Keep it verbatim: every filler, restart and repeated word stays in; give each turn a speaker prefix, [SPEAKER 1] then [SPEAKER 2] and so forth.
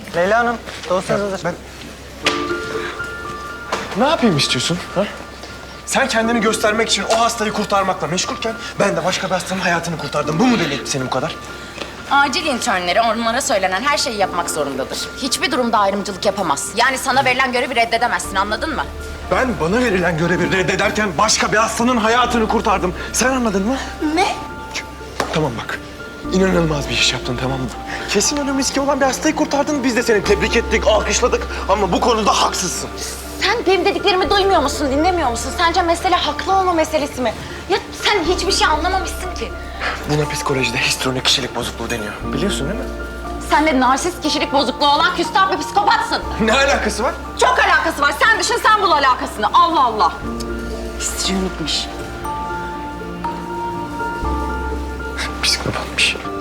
[SPEAKER 1] Leyla Hanım, dosyanız hazır.
[SPEAKER 2] Ben... Ne yapayım istiyorsun? Ha? Sen kendini göstermek için o hastayı kurtarmakla meşgulken ben de başka bir hastanın hayatını kurtardım. Bu mu deli etti seni bu kadar?
[SPEAKER 3] Acil internleri onlara söylenen her şeyi yapmak zorundadır. Hiçbir durumda ayrımcılık yapamaz. Yani sana verilen görevi reddedemezsin, anladın mı?
[SPEAKER 2] Ben bana verilen görevi reddederken başka bir hastanın hayatını kurtardım. Sen anladın mı?
[SPEAKER 3] Ne?
[SPEAKER 2] Tamam bak. İnanılmaz bir iş yaptın, tamam mı? Kesin ölüm riski olan bir hastayı kurtardın. Biz de seni tebrik ettik, alkışladık. Ama bu konuda haksızsın.
[SPEAKER 3] Sen benim dediklerimi duymuyor musun, dinlemiyor musun? Sence mesele haklı olma meselesi mi? Ya sen hiçbir şey anlamamışsın ki.
[SPEAKER 2] Buna psikolojide histrionik kişilik bozukluğu deniyor. Biliyorsun değil mi?
[SPEAKER 3] Sen de narsist kişilik bozukluğu olan küstah bir psikopatsın.
[SPEAKER 2] Ne alakası var?
[SPEAKER 3] Çok alakası var. Sen düşün, sen bul alakasını. Allah Allah. Histrionikmiş.
[SPEAKER 2] Psikopatmış.